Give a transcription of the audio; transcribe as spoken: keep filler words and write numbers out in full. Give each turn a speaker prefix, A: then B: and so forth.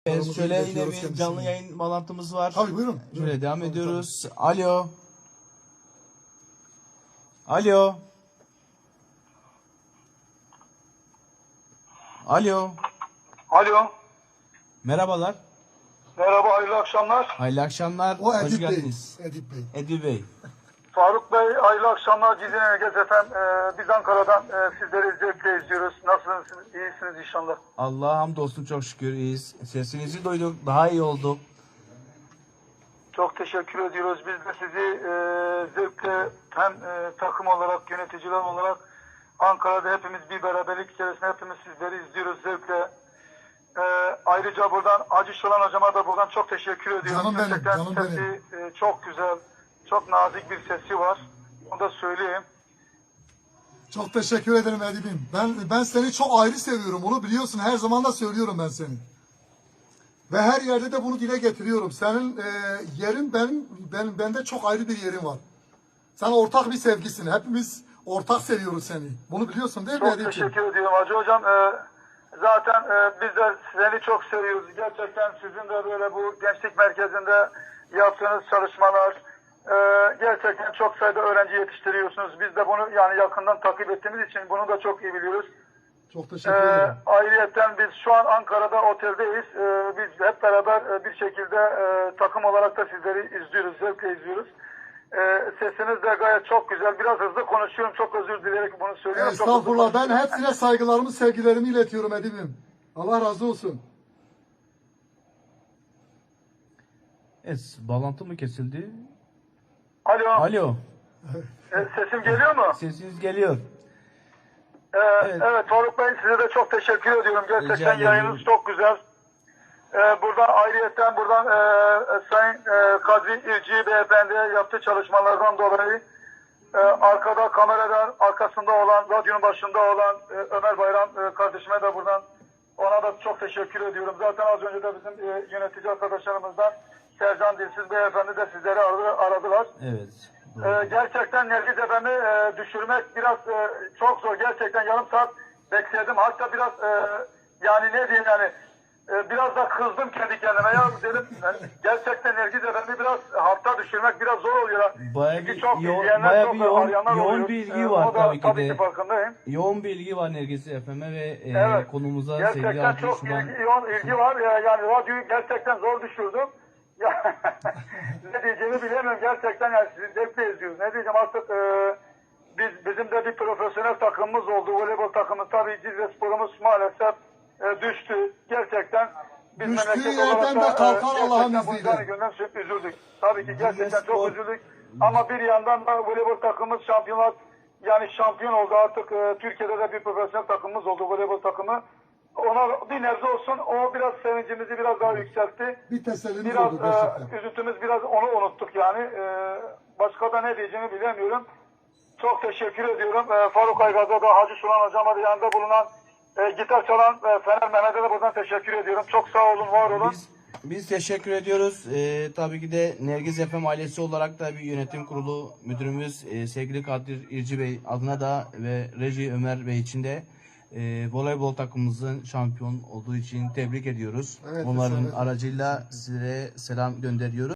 A: Evet, şöyle yine bir canlı yayın bağlantımız var.
B: Tabii buyurun.
A: Şöyle
B: buyurun.
A: devam
B: Tabii,
A: ediyoruz. Alo. Alo. Alo.
C: Alo.
A: Merhabalar.
C: Merhaba, hayırlı akşamlar.
A: Hayırlı akşamlar.
B: O
A: Hoş
B: Edip Bey.
A: geldiniz.
B: Edip Bey.
A: Edil Bey.
C: Faruk Bey, hayırlı akşamlar. Cizine Ergez efendim. Ee, biz Ankara'dan e, sizleri zevkle izliyoruz. Nasılsınız? İyisiniz inşallah.
A: Allah'a hamdolsun, çok şükür iyiyiz. Sesinizi duyduk. Daha iyi olduk.
C: Çok teşekkür ediyoruz. Biz de sizi e, zevkle hem e, takım olarak, yöneticiler olarak Ankara'da hepimiz bir beraberlik içerisinde hepimiz sizleri izliyoruz zevkle. E, ayrıca buradan Hacı Şolan hocama da buradan çok teşekkür ediyorum.
B: Canım benim,
C: Gerçekten
B: canım
C: sesi e, çok güzel, çok nazik bir sesi var. Onu da söyleyeyim.
B: Çok teşekkür ederim Edip'im. Ben ben seni çok ayrı seviyorum. Onu biliyorsun. Her zaman da söylüyorum ben seni. Ve her yerde de bunu dile getiriyorum. Senin e, yerin benim, benim bende çok ayrı bir yerin var. Sen ortak bir sevgisin. Hepimiz ortak seviyoruz seni. Bunu biliyorsun değil mi
C: Çok
B: Edip'im?
C: teşekkür ediyorum Hacı Hocam. Ee, zaten e, biz de seni çok seviyoruz. Gerçekten sizin de böyle bu gençlik merkezinde yaptığınız çalışmalar e, gerçekten çok sayıda öğrenci yetiştiriyorsunuz. Biz de bunu yani yakından takip ettiğimiz için bunu da çok iyi biliyoruz.
B: Çok
C: Ee,
B: teşekkür ederim.
C: ayrıyeten biz şu an Ankara'da oteldeyiz. Ee, biz hep beraber e, bir şekilde e, takım olarak da sizleri izliyoruz, zevkle izliyoruz. Ee, sesiniz de gayet çok güzel. Biraz hızlı konuşuyorum. Çok özür dileyerek bunu söylüyorum. Çok hızlı
B: Estağfurullah. Ben
C: konuşuyorum.
B: hepsine saygılarımı, sevgilerimi iletiyorum Edip'im. Allah razı olsun.
A: Evet, bağlantı mı kesildi?
C: Alo.
A: Alo.
C: E, sesim geliyor mu?
A: Sesiniz geliyor.
C: Ee,
A: Evet.
C: evet. Faruk Bey, size de çok teşekkür ediyorum.
A: Rica
C: Gerçekten
A: ederim.
C: yayınınız çok güzel. Ee, buradan ayrıyeten buradan e, e, Sayın e, Kadri İrci Beyefendi'ye yaptığı çalışmalardan dolayı e, arkada kameradan arkasında olan, radyonun başında olan e, Ömer Bayram e, kardeşime de buradan ona da çok teşekkür ediyorum. Zaten az önce de bizim e, yönetici arkadaşlarımızdan Sercan Dilsiz Beyefendi de sizleri aradı, aradılar.
A: Evet.
C: Ee,
A: Doğru.
C: gerçekten Nergiz Efendi e, düşürmek biraz e, çok zor. Gerçekten yarım saat bekledim. Hatta biraz e, yani ne diyeyim yani e, biraz da kızdım kendi kendime. Ya dedim yani, gerçekten Nergiz Efendi biraz hafta düşürmek biraz zor oluyor.
A: Bayağı
C: Çünkü
A: bir
C: çok
A: yoğun-
C: izleyenler,
A: bayağı
C: çok
A: bir yoğun-
C: arayanlar
A: yoğun
C: oluyor.
A: bir ilgi
C: Ee,
A: var
C: o da
A: tabii ki
C: tabii
A: de.
C: ki farkındayım.
A: Yoğun bir ilgi var Nergis F M'e ve e,
C: Evet.
A: konumuza sevgili
C: Gerçekten
A: Hacı
C: çok
A: Şuban.
C: ilgi, yoğun ilgi var. Ya, yani radyoyu gerçekten zor düşürdüm. Ya, ne diyeceğimi bilemiyorum. Gerçekten yani sizi zevkle izliyoruz. Ne diyeceğim artık e, biz bizim de bir profesyonel takımımız oldu. Voleybol takımı. Tabii Cizre Spor'umuz maalesef e, düştü. Gerçekten biz
B: Düştüğü
C: memleket
B: yerden
C: olarak
B: de
C: da,
B: kalkar
C: e,
B: Allah'ın
C: gerçekten bu
B: izniyle.
C: yüzden gönlüm çok üzüldük. Tabii ki gerçekten
A: Cizre
C: çok
A: Spor-
C: üzüldük. Ama bir yandan da voleybol takımımız şampiyonlar yani şampiyon oldu artık. E, Türkiye'de de bir profesyonel takımımız oldu voleybol takımı. Ona bir nebze olsun o biraz sevincimizi biraz daha yükseltti.
B: Bir tesellimiz
C: Biraz
B: oldu gerçekten.
C: e, üzüntümüz biraz onu unuttuk yani. E, başka da ne diyeceğimi bilemiyorum. Çok teşekkür ediyorum. E, Faruk Aygaz'a da Hacı Şulan Hocam'a da yanında bulunan e, gitar çalan e, Fener Mehmet'e de buradan teşekkür ediyorum. Çok sağ olun, var olun.
A: Biz, biz teşekkür ediyoruz. Ee, tabii ki de Nergiz F M ailesi olarak da bir yönetim kurulu müdürümüz e, sevgili Kadir İrci Bey adına da ve Reji Ömer Bey için de e, voleybol takımımızın şampiyon olduğu için tebrik ediyoruz.
B: Evet,
A: Onların
B: evet.
A: aracıyla size selam gönderiyoruz.